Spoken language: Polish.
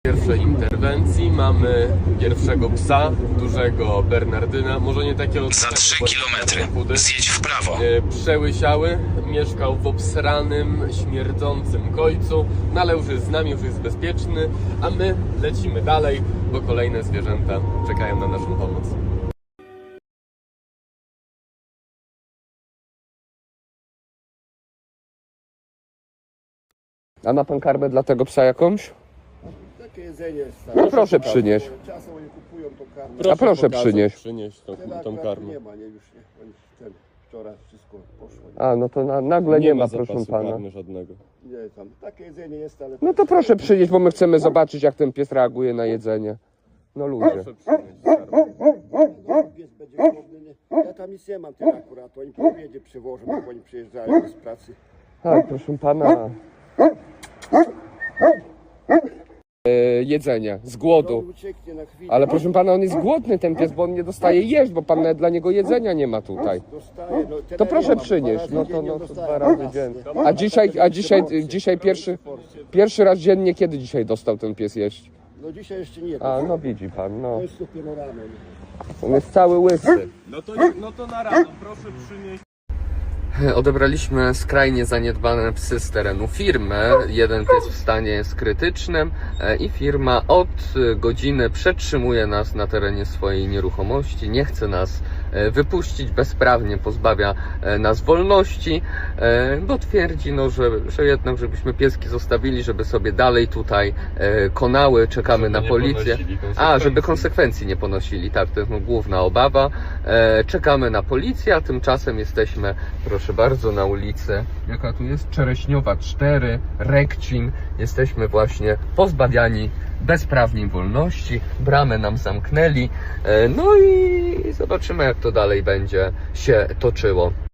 Pierwszej interwencji mamy pierwszego psa, dużego Bernardyna, może nie takiego... Za 3 kilometry zjedź w prawo. Przełysiały, mieszkał w obsranym, śmierdzącym kojcu, no ale już jest z nami, już jest bezpieczny, a my lecimy dalej, bo kolejne zwierzęta czekają na naszą pomoc. A ma pan karmę dla tego psa jakąś? Takie jedzenie jest. No proszę przynieść. Czasem oni kupują to karmę. A proszę przynieść. Przynieść tą Akurat karmę. nie ma, nie już nie. Oni wczoraj wszystko poszło. A, no to nagle nie ma, proszę zapasu pana. karmy żadnego. Nie tam. Takie jedzenie jest, ale... No to proszę przynieść, bo my chcemy zobaczyć, jak ten pies reaguje na jedzenie. No ludzie. Proszę przynieść karmę. Pies będzie głodny, nie? Ja tam nic nie mam tyle akurat. Oni po obiedzie przywożą, jak oni przyjeżdżają z pracy. Tak, proszę pana. Jedzenie, z On głodu. ucieknie na chwilę. Ale proszę pana, on jest głodny ten pies, bo on nie dostaje jeść, bo pan nawet dla niego jedzenia nie ma tutaj. Dostaje, no, To tyle proszę nie mam. przynieść, Dwa razy no to, dziennie to dostaję. 2 razy dziennie. A dzisiaj pierwszy raz dziennie, kiedy dzisiaj dostał ten pies jeść? No dzisiaj jeszcze nie. A, no widzi pan, no. To jest dopiero rano. On jest cały łysy. No to na rano, proszę przynieść. Odebraliśmy skrajnie zaniedbane psy z terenu firmy. Jeden pies w stanie jest krytycznym i firma od godziny przetrzymuje nas na terenie swojej nieruchomości. Nie chce nas wypuścić, bezprawnie pozbawia nas wolności, bo twierdzi, no, że jednak żebyśmy pieski zostawili, żeby sobie dalej tutaj konały, czekamy na policję. A, żeby konsekwencji nie ponosili, tak, to jest główna obawa. Czekamy na policję, a tymczasem jesteśmy, proszę bardzo, na ulicy, jaka tu jest? Czereśniowa 4, Rekcin. Jesteśmy właśnie pozbawiani bezprawnie wolności, bramę nam zamknęli, no i zobaczymy, jak to dalej będzie się toczyło.